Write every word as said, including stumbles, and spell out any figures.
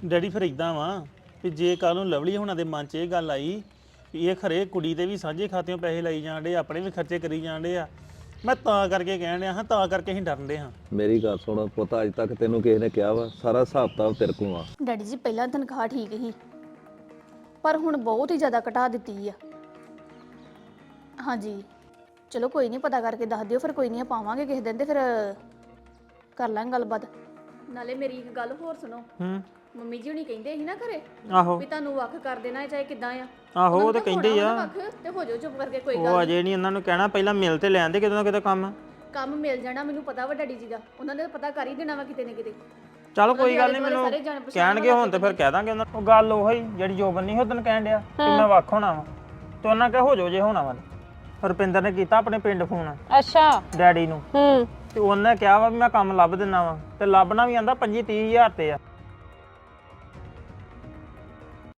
Daddy ਫਿਰ ਇਦਾਂ ਵਾ ਵੀ ਜੇ ਕੱਲ ਨੂੰ ਲਵਲੀ ਹੋਣਾ ਦੇ ਮਨ 'ਚ ਇਹ ਗੱਲ ਆਈ ਵੀ ਇਹ ਖਰੇ ਕੁੜੀ ਦੇ ਵੀ ਸਾਂਝੇ ਖਾਤਿਆਂ ਪੈਸੇ ਲਾਈ ਜਾਂਦੇ ਆਪਣੇ ਵੀ ਖਰਚੇ ਕਰੀ ਜਾਂਦੇ ਆ ਮੈਂ ਤਾਂ ਕਰਕੇ ਕਹਿਣ ਡਿਆ ਹਾਂ ਤਾਂ ਕਰਕੇ ਅਸੀਂ ਡਰਨ ਦੇ ਹਾਂ। ਮੇਰੀ ਗੱਲ ਸੁਣ ਪੁੱਤ, ਅੱਜ ਤੱਕ ਤੈਨੂੰ ਕਿਸੇ ਨੇ ਕਿਹਾ ਵਾ ਸਾਰਾ ਹਿਸਾਬ ਕਿਤਾਬ ਤੇਰੇ ਕੋਲ ਆ। ਡੈਡੀ ਜੀ ਪਹਿਲਾਂ ਤਨਖਾਹ ਠੀਕ ਸੀ ਪਰ ਹੁਣ ਬਹੁਤ ਹੀ ਜ਼ਿਆਦਾ ਘਟਾ ਦਿੱਤੀ ਆ। ਹਾਂਜੀ ਚਲੋ ਕੋਈ ਨਹੀਂ, ਪਤਾ ਕਰਕੇ ਦੱਸ ਦਿਓ ਫਿਰ, ਕੋਈ ਨਹੀਂ ਪਾਵਾਂਗੇ ਕਿਸੇ ਦਿਨ ਤੇ ਫਿਰ ਕਰ ਲਾਂਗੇ ਗੱਲਬਾਤ। ਨਾਲੇ ਮੇਰੀ ਇੱਕ ਗੱਲ ਹੋਰ ਸੁਣੋ, ਹੂੰ ਮੰਮੀ ਜੀ ਹੁਣੀ ਕਹਿੰਦੇ ਸੀ ਨਾ ਘਰੇ ਆਹੋ ਵੀ ਤੁਹਾਨੂੰ ਵੱਖ ਕਰ ਦੇਣਾ ਚਾਹੇ ਕਿਦਾਂ ਆ। ਆਹੋ ਉਹ ਤੇ ਕਹਿੰਦੇ ਆ ਵੱਖ ਤੇ ਹੋ ਜਾਓ ਚੁੱਪ ਕਰਕੇ, ਕੋਈ ਉਹ ਗੱਲ ਅਜੇ ਨਹੀਂ ਉਹਨਾਂ ਨੂੰ ਕਹਿਣਾ ਪਹਿਲਾਂ ਮਿਲ ਤੇ ਲੈਣ ਦੇ ਕਿਤੇ ਨਾ ਕਿਤੇ ਕੰਮ। ਕੰਮ ਮਿਲ ਜਾਣਾ, ਮੈਨੂੰ ਪਤਾ ਵਾ ਡੈਡੀ ਜੀ ਦਾ, ਉਹਨਾਂ ਨੇ ਤਾਂ ਪਤਾ ਕਰ ਹੀ ਦੇਣਾ ਵਾ ਕਿਤੇ ਨਾ ਕਿਤੇ। ਚਲ ਕੋਈ ਗੱਲ ਨਹੀਂ, ਮੈਨੂੰ ਸਾਰੇ ਜਾਣ ਪਛਾਣ ਕਹਿਣਗੇ ਹੁਣ ਤੇ ਫਿਰ ਕਹਿ ਦਾਂਗੇ ਉਹਨਾਂ ਨੂੰ। ਉਹ ਗੱਲ ਉਹੀ ਜਿਹੜੀ ਜੋਬਨ ਨਹੀਂ ਉਦੋਂ ਕਹਿਣ ਡਿਆ ਕਿ ਮੈਂ ਵੱਖ ਹੋਣਾ ਵਾ ਤੇ ਉਹਨਾਂ ਕਹੇ ਹੋ ਜਾਓ ਜੇ ਹੋਣਾ ਵਾ। ਰੁਪਿੰਦਰ ਨੇ ਕੀਤਾ ਆਪਣੇ ਪਿੰਡ ਫੋਨ ਅੱਛਾ ਡੈਡੀ ਨੂੰ ਹੂੰ ਤੇ ਉਹਨੇ ਕਿਹਾ ਵਾ ਵੀ ਮੈਂ ਕੰਮ ਲੱਭ ਦਿੰਦਾ ਵਾ ਤੇ ਲੱਭਣਾ ਵੀ ਆਂਦਾ ਪੰਜੀ ਤੀਹ ਹਜ਼ਾਰ ਤੇ ਆ।